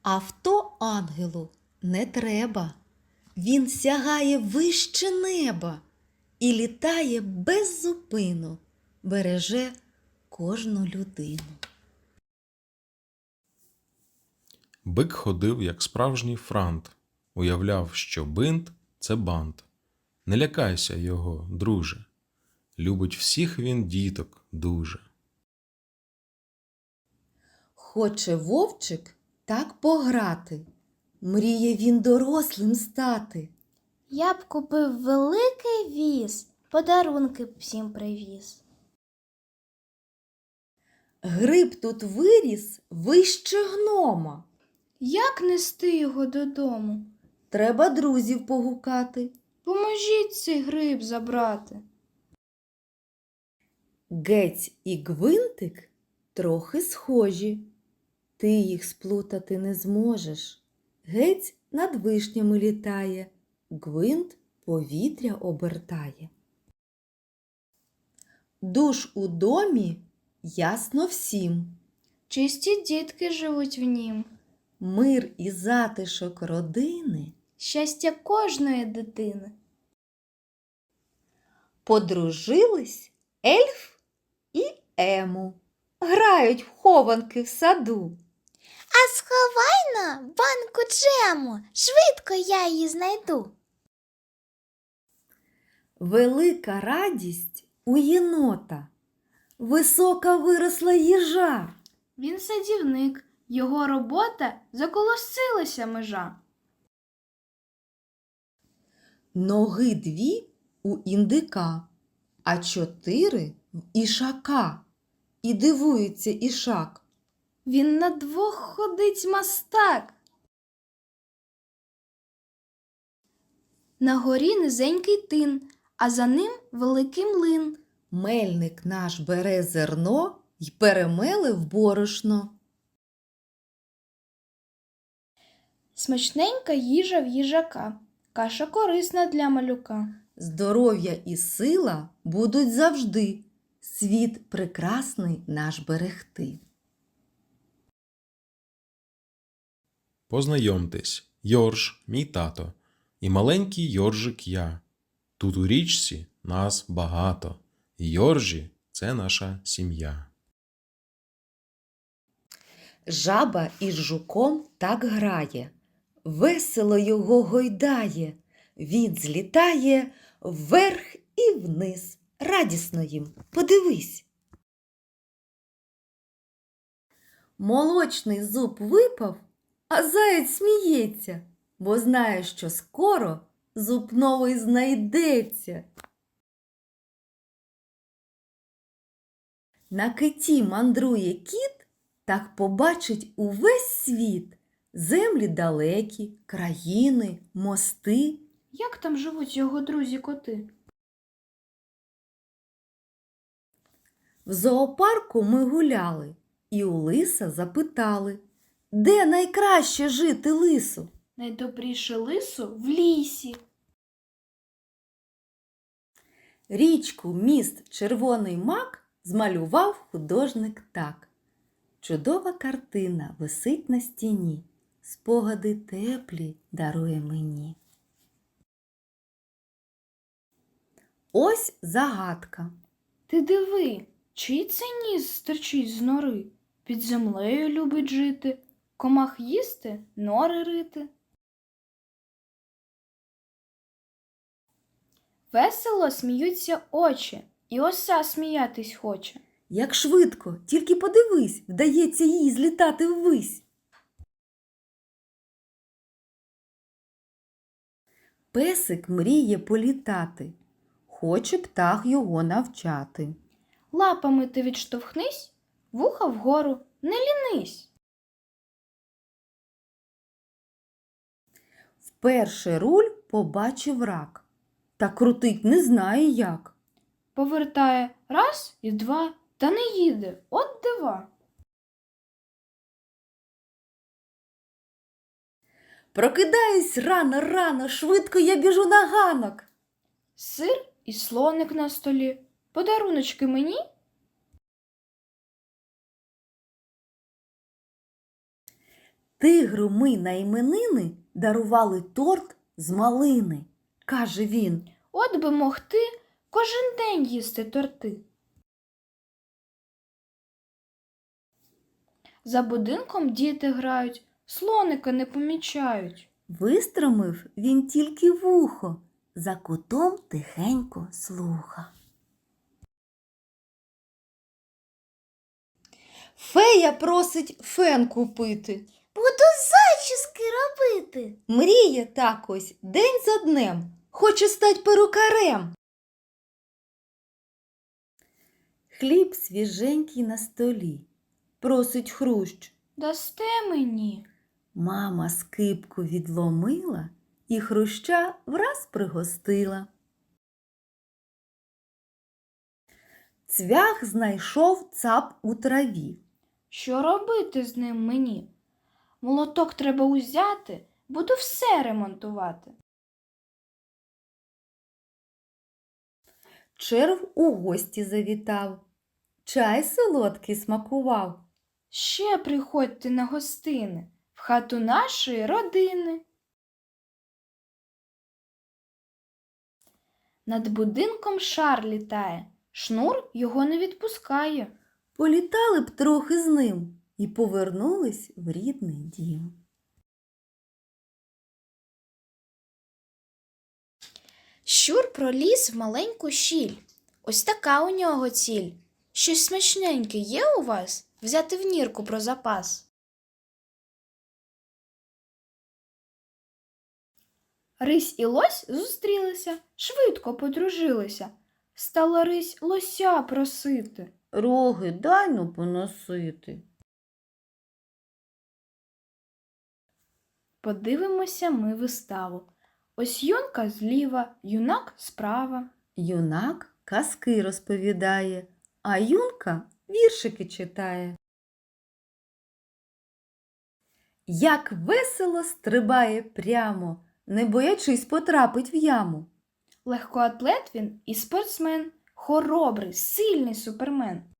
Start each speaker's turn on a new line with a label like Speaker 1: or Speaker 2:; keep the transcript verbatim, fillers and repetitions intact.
Speaker 1: Авто ангелу не треба. Він сягає вище неба і літає без зупину, береже кожну людину.
Speaker 2: Бик ходив, як справжній франт, уявляв, що бинт – це бант. Не лякайся його, друже, любить всіх він діток дуже.
Speaker 1: Хоче вовчик так пограти, мріє він дорослим стати.
Speaker 3: Я б купив великий віз, подарунки б всім привіз.
Speaker 1: Гриб тут виріс вище гнома.
Speaker 4: Як нести його додому?
Speaker 1: Треба друзів погукати.
Speaker 4: Поможіть цей гриб забрати.
Speaker 1: Гець і Гвинтик трохи схожі. Ти їх сплутати не зможеш. Гець над вишнями літає, Гвинт повітря обертає. Душ у домі ясно всім.
Speaker 4: Чисті дітки живуть в нім.
Speaker 1: Мир і затишок родини.
Speaker 4: Щастя кожної дитини.
Speaker 1: Подружились ельф і ему. Грають в хованки в саду.
Speaker 3: А сховай на банку джему, швидко я її знайду.
Speaker 1: Велика радість у єнота. Висока виросла їжа.
Speaker 4: Він садівник, його робота заколосилася межа.
Speaker 1: Ноги дві у індика, а чотири в ішака. І дивується ішак.
Speaker 4: Він на двох ходить мастак. На горі низенький тин, а за ним великий млин.
Speaker 1: Мельник наш бере зерно й перемеле в борошно.
Speaker 4: Смачненька їжа в їжака, каша корисна для малюка.
Speaker 1: Здоров'я і сила будуть завжди. Світ прекрасний наш берегти.
Speaker 2: Познайомтесь, Йорж, мій тато, і маленький Йоржик я. Тут у річці нас багато, і Йоржі – це наша сім'я.
Speaker 1: Жаба із жуком так грає, весело його гойдає. Він злітає вверх і вниз. Радісно їм, подивись. Молочний зуб випав, а заєць сміється, бо знає, що скоро зуб новий знайдеться. На киті мандрує кіт, так побачить увесь світ. Землі далекі, країни, мости.
Speaker 4: Як там живуть його друзі-коти?
Speaker 1: В зоопарку ми гуляли і у лиса запитали, де найкраще жити лису?
Speaker 4: Найдобріше лису в лісі.
Speaker 1: Річку, міст, червоний мак змалював художник так. Чудова картина висить на стіні, спогади теплі дарує мені. Ось загадка.
Speaker 4: Ти диви, чий це ніс стирчить з нори? Під землею любить жити, комах їсти, нори рити. Весело сміються очі, і оса сміятись хоче.
Speaker 1: Як швидко, тільки подивись, вдається їй злітати ввись. Песик мріє політати, хоче птах його навчати.
Speaker 4: Лапами ти відштовхнись, вуха вгору, не лінись.
Speaker 1: Вперше руль побачив рак, та крутить не знає як.
Speaker 4: Повертає раз і два, та не їде, от дива.
Speaker 1: Прокидаюсь рано-рано, швидко я біжу на ганок.
Speaker 4: Сир і слоник на столі. Подаруночки мені?
Speaker 1: Тигру ми на іменини дарували торт з малини, каже він.
Speaker 4: От би могти кожен день їсти торти. За будинком діти грають, слоника не помічають.
Speaker 1: Вистромив він тільки вухо, за кутом тихенько слуха. Фея просить фен купити.
Speaker 3: Буду зачіски робити.
Speaker 1: Мріє так ось день за днем, хоче стать перукарем. Хліб свіженький на столі, просить хрущ.
Speaker 4: Дасте мені?
Speaker 1: Мама скипку відломила і хруща враз пригостила. Цвях знайшов цап у траві.
Speaker 4: Що робити з ним мені? Молоток треба узяти, буду все ремонтувати.
Speaker 1: Черв у гості завітав, чай солодкий смакував.
Speaker 4: Ще приходьте на гостини в хату нашої родини. Над будинком шар літає, шнур його не відпускає.
Speaker 1: Політали б трохи з ним і повернулись в рідний дім.
Speaker 3: Щур проліз в маленьку щіль. Ось така у нього ціль. Щось смачненьке є у вас? Взяти в нірку про запас.
Speaker 4: Рись і лось зустрілися, швидко подружилися. Стала рись лося просити.
Speaker 1: Роги дай ну поносити.
Speaker 4: Подивимося ми виставу. Ось юнка зліва, юнак справа.
Speaker 1: Юнак казки розповідає, а юнка віршики читає. Як весело стрибає прямо, не боячись потрапить в яму.
Speaker 4: Легкоатлет він і спортсмен, хоробрий, сильний супермен.